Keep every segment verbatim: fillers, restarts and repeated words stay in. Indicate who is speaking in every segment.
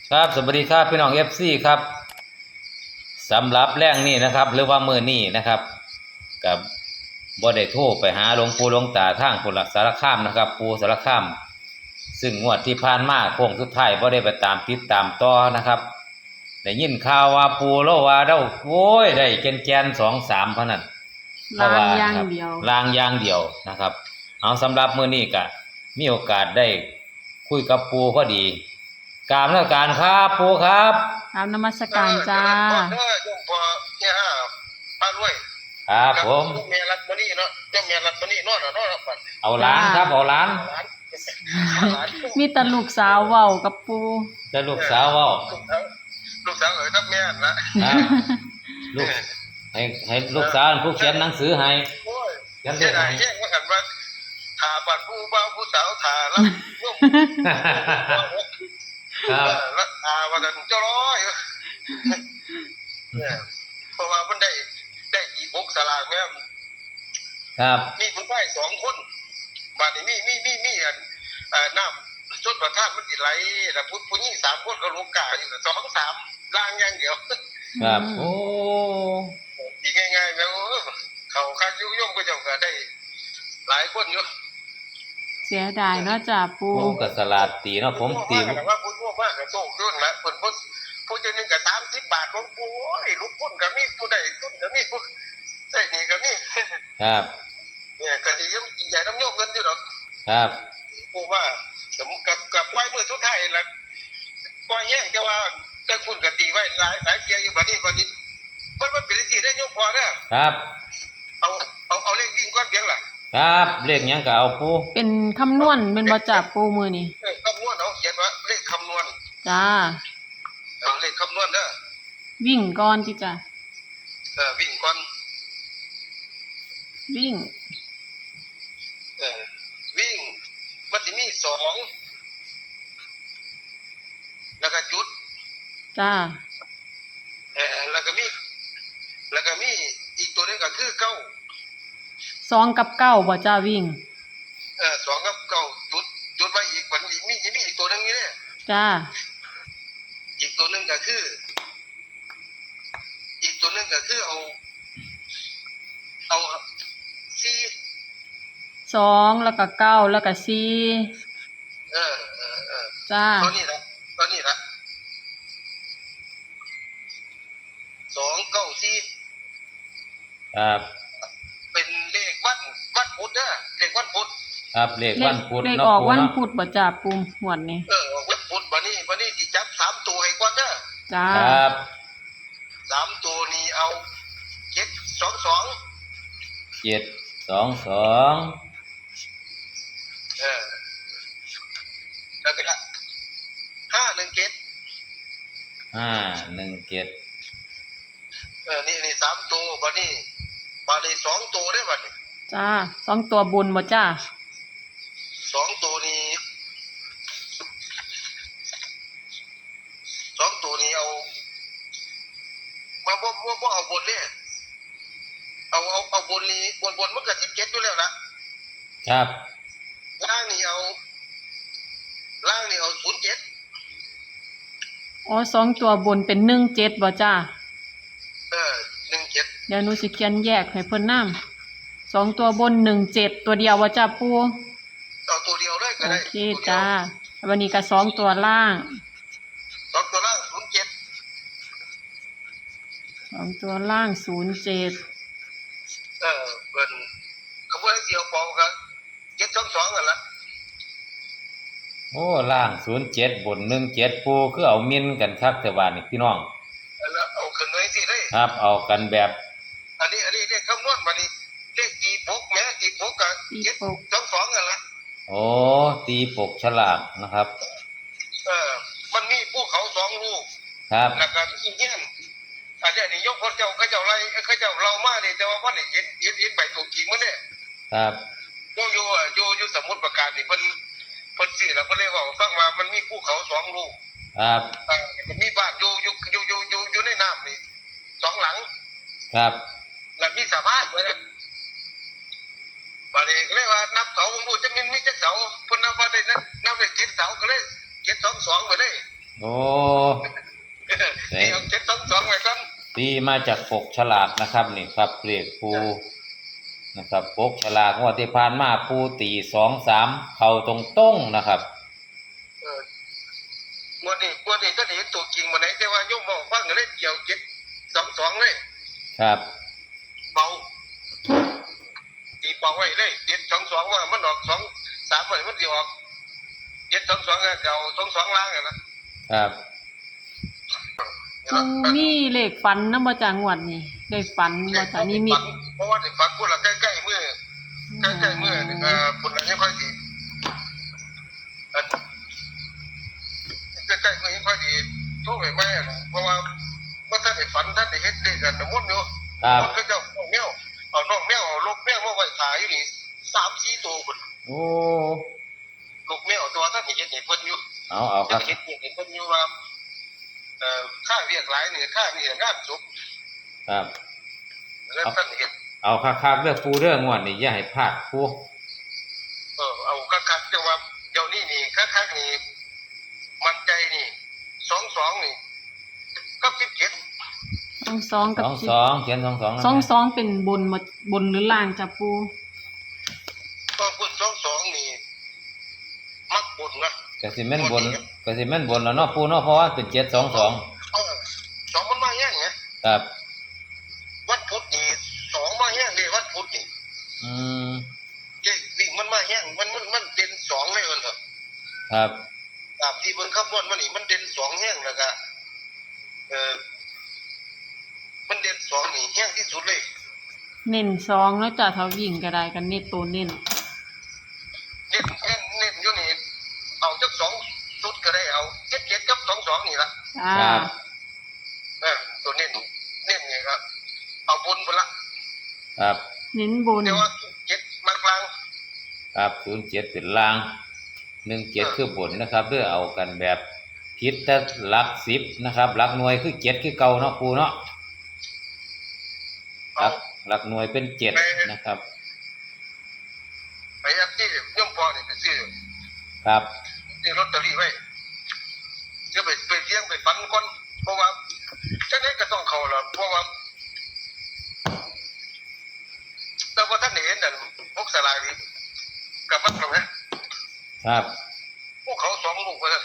Speaker 1: ครับสวัสดีครับพี่น้องเอฟซีครับสำหรับแรงนี้นะครับหรือว่ามือนี้นะครับกับบ่ได้โทรไปหาหลวงปู่หลวงตาทางปุระสารคามนะครับปู่สารคามซึ่งงวดที่ผ่านมาโค้งสุดท้ายบ่ได้ไปตามติดตามต่อนะครับได้ยินข่าวว่าปู่เล่าว่าเราโว้ยได้แกนแกนสองสามพนัน
Speaker 2: ลางอย่างเดียว
Speaker 1: ลางอย่างเดียวนะครับเอาสำหรับมือนี้ก็มีโอกาสได้คุยกับปู่พอดีกราบนมัสการครับปู่ครับ
Speaker 2: กราบนมัสการจ้า
Speaker 3: เออโยมพอเนี่ยฮะป้ารวย
Speaker 1: ครับผม
Speaker 3: เมียรัตมณีเนาะเจ้าเมียรัตมณีนอนเนาะนอน
Speaker 1: เอาล้านครับเอาล้าน
Speaker 2: มีแต่ลูกสาวเว้ากับปู
Speaker 1: จะลูกสาวเว้า
Speaker 3: ลูกสาวเอ๋ยทับแม่นะ
Speaker 1: ลูกให้ให้ลูกสาวผู้เขียนหนังสือให้
Speaker 3: เขียนได้แยกว่ากันว่าถาปัดผู้บ่าวผู้สาวถาแล้วร่วมครับแล้วอาวันนั้นเจ้าร้อยเนี่ยเพราะว่ามันได้ได้อีบุกสลากแม่
Speaker 1: ครับ
Speaker 3: มีผู้ชายสองคนบาดนี้มีมีมีมีอันเอ่อน้ำชุดประทานมันสิไหลแล้วผู้ผู้หญิงสามคนก็ลูกกาอยู่สองสามล่างอย่างเดียว
Speaker 1: ครับโอ้
Speaker 3: อีกง่ายๆแล้วเขาคักยุ่งย่อมก็จะก็ได้หลายคนอยู่
Speaker 2: เสียดายเนาะจ้าปู
Speaker 1: ผมก็สลาดตีเนาะผมตี
Speaker 3: ว่าพูดมากก็โชคยุ่นละคนพูดพูดจะนึงก็สามสิบบาทของปูไอ้ลูกพุ่นก็มีผู้ใดพุ่นก็มีผู้ใส่นี่ก็มี
Speaker 1: ครับ
Speaker 3: เนี่ยก็ดียังใหญ่น้ำโยกเงินอยู่หรอก
Speaker 1: ครับ
Speaker 3: ปูว่ากับกับไว้เมื่อสุดท้ายแล้วปล่อยแย่งจะว่าแต่คุณกตีไว้หลายหลายเทียอยู่บัดนี้บัดนี้มันมันเป็นสิ่งได้ยกพอเนี่ย
Speaker 1: ครับ
Speaker 3: เอาเอาเอาเลขวิ่งก้อนเพียงล่ะ
Speaker 1: ครับเลขยังก็เอาปู
Speaker 2: เป็นคำนวณเป็นบ่จับปูมือนี่
Speaker 3: คำนวณเอาเขียนว่าเลขคำนวณ
Speaker 2: จ้า
Speaker 3: เอาเลขคำนวณเด้อ
Speaker 2: วิ่งก่อนที่จ้ะ
Speaker 3: เออวิ่งก่อน
Speaker 2: วิ่ง
Speaker 3: เออวิ่งมันจะมีสองแล้วก็จุด
Speaker 2: จ้า
Speaker 3: เออแล้วก็มีแล้วก็มีอีกตัวนึงก็คือเก้า
Speaker 2: สองกับเก้าบ่จ้าวิ่ง
Speaker 3: เออสองกับเก้าจุดจุดไว้อีกมันมีมีมีอีกตัวนึงนี่เนี่ย
Speaker 2: จ้า
Speaker 3: อีกตัวนึงก็คืออีกตัวนึงก็คือเอาเอาสี่
Speaker 2: สองแล้วก็เก้าแล้วก็สี่
Speaker 3: เออเออเออ
Speaker 2: จ้า
Speaker 3: ตอนนี้ละตอนนี้ละสองเก้าสี่
Speaker 1: ครับ
Speaker 3: เป็นเลขวันวันพุธเด้อเลขวันพุธ
Speaker 1: ครับเลขวันพุธ
Speaker 2: เลขออกวันพุธบ่จ้าปูหวดนี่
Speaker 3: เออวันพุธวันนี้วันนี้สิจับสามตัวให้ก่อนเด้อ
Speaker 2: จ้า
Speaker 1: ครับ
Speaker 3: สามตัวนี้เอาเจ็ดสองสอง
Speaker 1: เจ็ดสองสอง
Speaker 3: เออแล้วก็ห้าหนึ่งเจ็ด
Speaker 1: ห้าหนึ่งเจ็ด
Speaker 3: เออนี่นี่สามตัววันนี้วันนี้สองตัวได้วันนี้
Speaker 2: จ้าสองตัวบนบ่จ้า
Speaker 3: สองตัวนี้สองตัวนี้เอามาบ่บ่บ่เอาบนเนี่ยเอาเอาเอาบนนี้บนบนมันก็สิบเจ็ดอยู่แล้วนะครับล่างนี่เอาล่างนี่เอาศูนย์เจ็ด
Speaker 2: อ๋อสองตัวบนเป็นหนึ่งเจ็ดบ่จ้า
Speaker 3: เออหนึ่งเจ็ด
Speaker 2: เดี๋ยวหนูสิเขียนแยกให้เพิ่นนำสองตัวบนหนึ่งเจ็ดตัวเดียวบ่จ้าปู
Speaker 3: เอาตัวเดียวเลยก็ได้
Speaker 2: โอเคจ้าวันนี้ก็สองตัวล่าง
Speaker 3: สองตัวล่างศูนย์เจ็ด
Speaker 2: สองตัวล่างศูนย์เจ็ด
Speaker 3: เออเป็นขบวนเดียวปองครับเจ็ดสองสองกันละ
Speaker 1: โอ้ล่างศูนย์เจ็ดบนหนึ่งเจ็ดปูคือเอามินกันครับแต่ว่านี่พี่น้อง
Speaker 3: แล้วเอาขึ้นไว้สิเลย
Speaker 1: ครับเอากันแบบ
Speaker 3: อันนี้อันนี้เลขคำนวณมานี่เลขตีปกแม้ตีปกกับเจ็ดสองสองกันละ
Speaker 1: โอ้ตีปกฉลากนะครับ
Speaker 3: เออมันมีภูเขาสองลูก
Speaker 1: ครับ
Speaker 3: แล้วก็มีเงี้ยนอันนี้นี่ยกคนเจ้าเขาเจ้าไรเขาเจ้าเรามาเนี่ยแต่ว่าพ่อเนี่ยเห็นเห็นเห็นใบตัวกิ่งมันเนี่ย
Speaker 1: ครับ
Speaker 3: โยโย่โยโย่สมุดประกาศนี่เพิ่นเพิ่นสื่อแล้วเพิ่นเลยบอกฟังว่ามันมีภูเขาสองลูก
Speaker 1: ครับ
Speaker 3: อ่ามีบ้านอยู่อยู่อยู่อยู่อยู่อยู่ในน้ำนี่สองหลัง
Speaker 1: ครับ
Speaker 3: แล้วมีสะพานไว้นะบาดนี้เรียกว่านับเสาผมพูดจะมีมีจักเสาเพิ่นนับว่าได้นับได้เจ็ดเสาก็เลยเจ็ดสองสองไปเลย
Speaker 1: อโอ้
Speaker 3: นี่เอาเจ็ดสองสองไว้ก่อน
Speaker 1: ตีมาจากปกฉลากนะครับนี่ครับเลขปูนะครับปกฉลากงวดที่ผ่านมาปูตีสองสามเข้าตรงต้งนะครับ
Speaker 3: เออวันนี้วันนี้ก็เห็นตัวจริงมาไหนแต่ว่าโยมบอกฟังเลยเกี่ยวเจ็ดสองสองเลย
Speaker 1: ครับ
Speaker 3: เบาตีเบาไว้เลยเจ็ดสองสองว่ามันออกสองสามมันมันจะออกเจ็ดสองสองเก่าสองสองล้างอะนะครับ
Speaker 2: ปูมีเลขฝันนำบ่จ้างวดนี่เลขฝันบ่จ้านิมิต
Speaker 3: เพราะว่าในฝันพูดละใกล้ๆเมื่อใกล้ๆเมื่อเอ่อคนละยังค่อยดีใกล้ๆเมื่อยังค่อยดีโทษไปไหมเพราะว่าเมื่อท่านได้ฝันท่านได้เฮ็ดได้กันน้ำมนต์อยู่
Speaker 1: ครับ
Speaker 3: มันก็จะเอาแมวเอาน้องแมวเอาลูกแมวมาไว้ขายอยู่นี่สามสี่ตัวคน
Speaker 1: โอ้
Speaker 3: ลูกแมวตัวท่านเห็นเห็นเพิ่นอยู่
Speaker 1: เอาเอาค
Speaker 3: ท่า
Speaker 1: รั
Speaker 3: น
Speaker 1: บ
Speaker 3: เห็นเห็นเพิ่นอยู่ว่าเอ่อค่าเรียกหลายนี่ค่านี่งานจบ
Speaker 1: ครับ
Speaker 3: แล้วท่านเห็น
Speaker 1: เอาคักๆเลือกปูเรื่องงวดนี่อย่าให้พลาดปู
Speaker 3: เออเอาคักๆแต่ว่าเดี๋ยวนี้นี่คักๆนี่มันใจนี่สองสองนี่ก็สิบเจ็ด
Speaker 2: สองสองกับ
Speaker 1: สอง
Speaker 2: สิบ
Speaker 1: สองเขียนสองสอง
Speaker 2: สองสองเป็นบนบ่บนหรือล่างจ้ะปู
Speaker 3: ก็พูดสองสองนี่มักบุญนะ
Speaker 1: กสิแม่นบนกสิแม่นบนแล้วเนาะปูเนาะเพราะว่าเป็นเจ็ดสองสอง
Speaker 3: เออสองมันมาแห้งไง
Speaker 1: ครับ
Speaker 3: วันพุธนี่สองมาแห้งเลยวันพุธนี่
Speaker 1: อืม
Speaker 3: เลขวิ่งมันมาแห้งมันมันมันเด่นสองเลยเออเถอะ
Speaker 1: ครับ
Speaker 3: ตามที่เบิ่งคำนวณมานี่มันเด่นสองแห้งแล้วก็เออมันเด่นสองนี่แห้งที่สุดเลย
Speaker 2: เน้นสองแล้วจ้ะถ้าวิ่งก็ได้กันเน้นตัวเน้น
Speaker 3: เน้นเน้นเน้นอยู่นี่เอาจักสองสุดก็ได้เอาเจ็ดเจ็ดกับสองสองนี่ละ
Speaker 2: จ้า
Speaker 1: ครับ
Speaker 3: เออตัวเน้นเน้นนี่ครับเอาบนพุ่นละ
Speaker 1: ครับ
Speaker 2: เน้นบน
Speaker 3: แต่ว่าเจ็ดมากลาง
Speaker 1: ครับศูนย์เจ็ดเป็นล่างหนึ่งเจ็ดคือบนนะครับเพื่อเอากันแบบพิษถ้าหลักสิบนะครับหลักหน่วยคือเจ็ดคือเก่าเนาะปูเนาะห
Speaker 3: เอา
Speaker 1: ลักหลักหน่วยเป็นเจ็ดนะครับ
Speaker 3: ไปยับที่ย่อมพอนี่ไปซื้อ
Speaker 1: ครับ
Speaker 3: ซื้อลอตเตอรี่ไว้จะไปไปเที่ยงไปฟันก่อนเพราะว่าจังได๋ก็ต้องเข้าล่ะเพราะว่าแต่ว่าท่านเห็นนั่นพวกสลายนี่กับมันตรงนั้น
Speaker 1: ครับ
Speaker 3: พวกเขาสองลูกว่าซั่น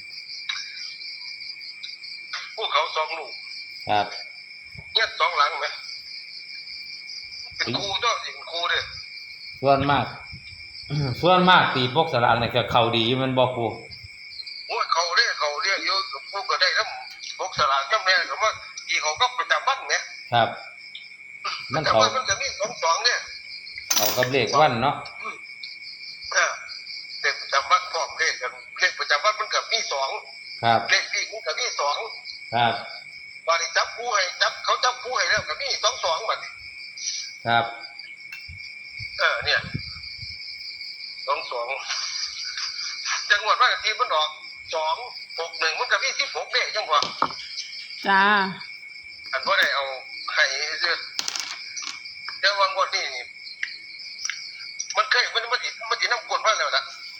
Speaker 3: พวกเขาสองลูก
Speaker 1: ครับ
Speaker 3: เนี่ยสองหลังไหมเป็นครูเจ้าสิเป็นครูเด้อ
Speaker 1: ส่วนมาก ส่วนมากตีพวกสลากเนี่ยก็เข้าดีมันบอกปู
Speaker 3: โอ้ยเขาเด้อเขาเรียกอยู่พวกก็ได้นำพวกสลากจำแม่ก็ว่าที่เขาก็ประจำวันแหม
Speaker 1: ครับ มัน
Speaker 3: แต่
Speaker 1: เขา
Speaker 3: ว่ามันจะมีสองสองเนี่ย
Speaker 1: เขากับเลขวันเนาะ
Speaker 3: เออเลขประจำวันพร้อมเลขกันเลขประจำวันมันกับมีสอง
Speaker 1: ครับ
Speaker 3: เลขที่มันกับมีสอง
Speaker 1: ครับ
Speaker 3: วันนี้จับผู้ให้จับเขาจับผู้ให้แล้วกับมีสองสองบัดนี้
Speaker 1: ครับ
Speaker 3: เออเนี่ยสองสองจังหวัดว่าทีมันออกสองหกหนึ่งมันกับมีสิบหกเลขจังหวะ
Speaker 2: จ้า
Speaker 3: อันว่าได้เอาให้เสื้อเดี๋ยววังวันนี้นี่มันเคยมันมันติมันติน้ำกวนมาแล้วนะ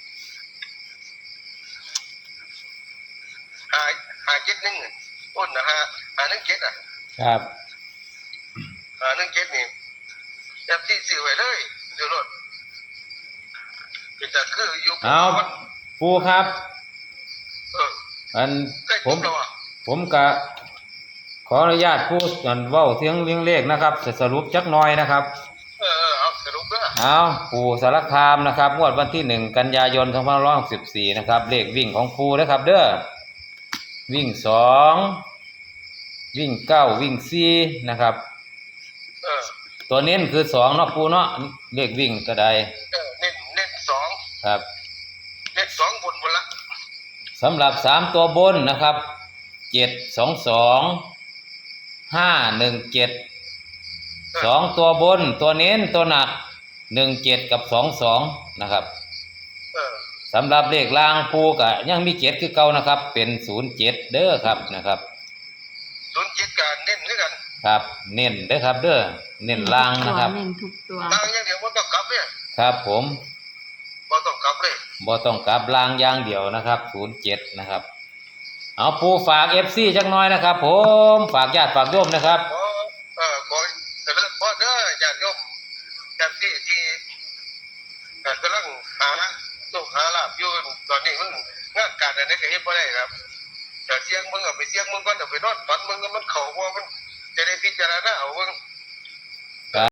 Speaker 3: หาหาเจ็ดหนึ่งอ้นนะฮะหาหนึ่งเจ็ดอ่ะ
Speaker 1: ครับ
Speaker 3: หาหนึ่งเจ็ดนี่แอปที่สื่อไว้เลยเดี๋ยวรถเป็นแต่คืออยู่
Speaker 1: เอาปูครับ
Speaker 3: เออ
Speaker 1: อัน
Speaker 3: ใกล้
Speaker 1: ผ
Speaker 3: จ
Speaker 1: ม
Speaker 3: บแล้วอ่ะ
Speaker 1: ผมกะขออนุญาตพูดอันเว้าเสียงเลี้ยงเลขนะครับจะสรุปจักหน่อยนะครับ
Speaker 3: เออเออเอาสรุปเด้อ
Speaker 1: เอาปู่สารคามนะครับงวดวันที่หนึ่งกันยายนสองพันห้าร้อยหกสิบสี่นะครับเลขวิ่งของปูนะครับ เด้อวิ่งสองวิ่งเก้าวิ่งสี่นะครับ
Speaker 3: เออ
Speaker 1: ตัวเน้นคือสองเนาะปูเนาะเลขวิ่งตัวใด
Speaker 3: เออเน้นเน้นสอง
Speaker 1: ครับ
Speaker 3: เน้นสองบนบนละ
Speaker 1: สำหรับสามตัวบนนะครับเจ็ดสองสองห้าหนึ่งเจ็ดสองตัวบนตัวเน้นตัวหนักหนึ่งเจ็ดกับสองสองนะครับ
Speaker 3: เออ
Speaker 1: สำหรับเลขล่างปูกะยังมีเจ็ดคือเก่านะครับ เป็นศูนย์เจ็ดเด้อครับนะครับ
Speaker 3: ศูนย์เจ็ดการเน้นด้วยกัน
Speaker 1: ครับ เน้นเด้อครับ เด้อเน้นล่างนะครับ
Speaker 2: เน้นทุกตัว
Speaker 3: ทางอย่างเดียวมันต้องกลับเนี่ย
Speaker 1: ครับ ผม
Speaker 3: มันต้องกลับเลย
Speaker 1: บ่ต้องกลับล่างอย่างเดียวนะครับศูนย์เจ็ดนะครับเอาปูฝากเอฟซีจักหน่อยนะครับ ผมฝากญาติฝากโยมนะครับ
Speaker 3: ขอเอ่อขอเจริญพรเด้อญาติโยมญาติที่ที่เอ่อกำลังหาโชคหาลาภอยู่ตอนนี้มันงานการอะไรก็เฮ็ดบ่ได้ครับแต่เสียงมึงเอาไปเสียงมึงก่อนเอาไปนอนฝันมึงก็มันเข้าว่ามันจะได้พิจารณาเอาเบิ่ง